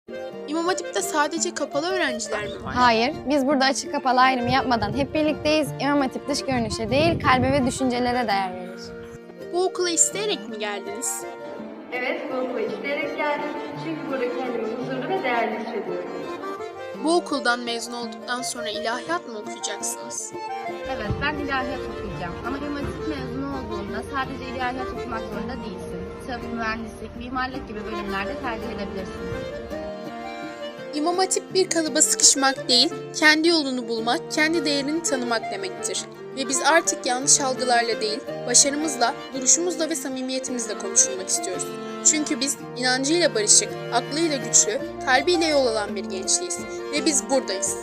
İmam Hatip'te sadece kapalı öğrenciler mi var? Hayır, biz burada açık kapalı ayrımı yapmadan hep birlikteyiz. İmam Hatip dış görünüşe değil, kalbe ve düşüncelere değer verir. Bu okula isteyerek mi geldiniz? Evet, bu okula isteyerek geldim. Çünkü burada kendimi huzurlu ve değerli hissediyorum. Bu okuldan mezun olduktan sonra ilahiyat mı okuyacaksınız? Evet, ben ilahiyat okuyacağım. Ama İmam Hatip mezunu olduğunda sadece ilahiyat okumak zorunda değilsin. Tıp, mühendislik, mimarlık gibi bölümlerde tercih edebilirsin. İmam Hatip bir kalıba sıkışmak değil, kendi yolunu bulmak, kendi değerini tanımak demektir. Ve biz artık yanlış algılarla değil, başarımızla, duruşumuzla ve samimiyetimizle konuşulmak istiyoruz. Çünkü biz inancıyla barışık, aklıyla güçlü, kalbiyle yol alan bir gençliğiz. Ve biz buradayız.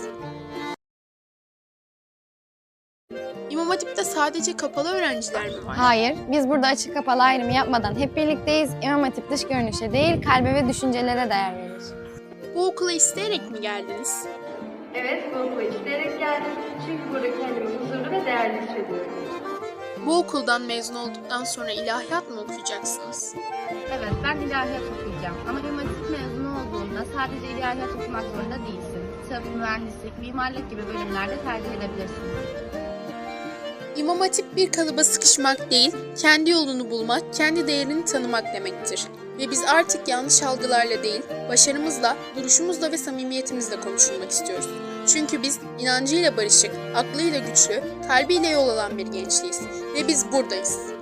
İmam Hatip'te sadece kapalı öğrenciler mi var? Hayır, biz burada açık kapalı ayrımı yapmadan hep birlikteyiz. İmam Hatip dış görünüşe değil, kalbe ve düşüncelere değer verir. Bu okula isteyerek mi geldiniz? Evet, bu okula isteyerek geldim. Çünkü burada kendimi huzurlu ve değerli hissediyorum. Bu okuldan mezun olduktan sonra ilahiyat mı okuyacaksınız? Evet, ben ilahiyat okuyacağım. Ama İmam Hatip mezunu olduğunda sadece ilahiyat okumak zorunda değilsin. Tıp, mühendislik, mimarlık gibi bölümlerde tercih edebilirsin. İmam Hatip bir kalıba sıkışmak değil, kendi yolunu bulmak, kendi değerini tanımak demektir. Ve biz artık yanlış algılarla değil, başarımızla, duruşumuzla ve samimiyetimizle konuşulmak istiyoruz. Çünkü biz inancıyla barışık, aklıyla güçlü, kalbiyle yol alan bir gençliğiz. Ve biz buradayız.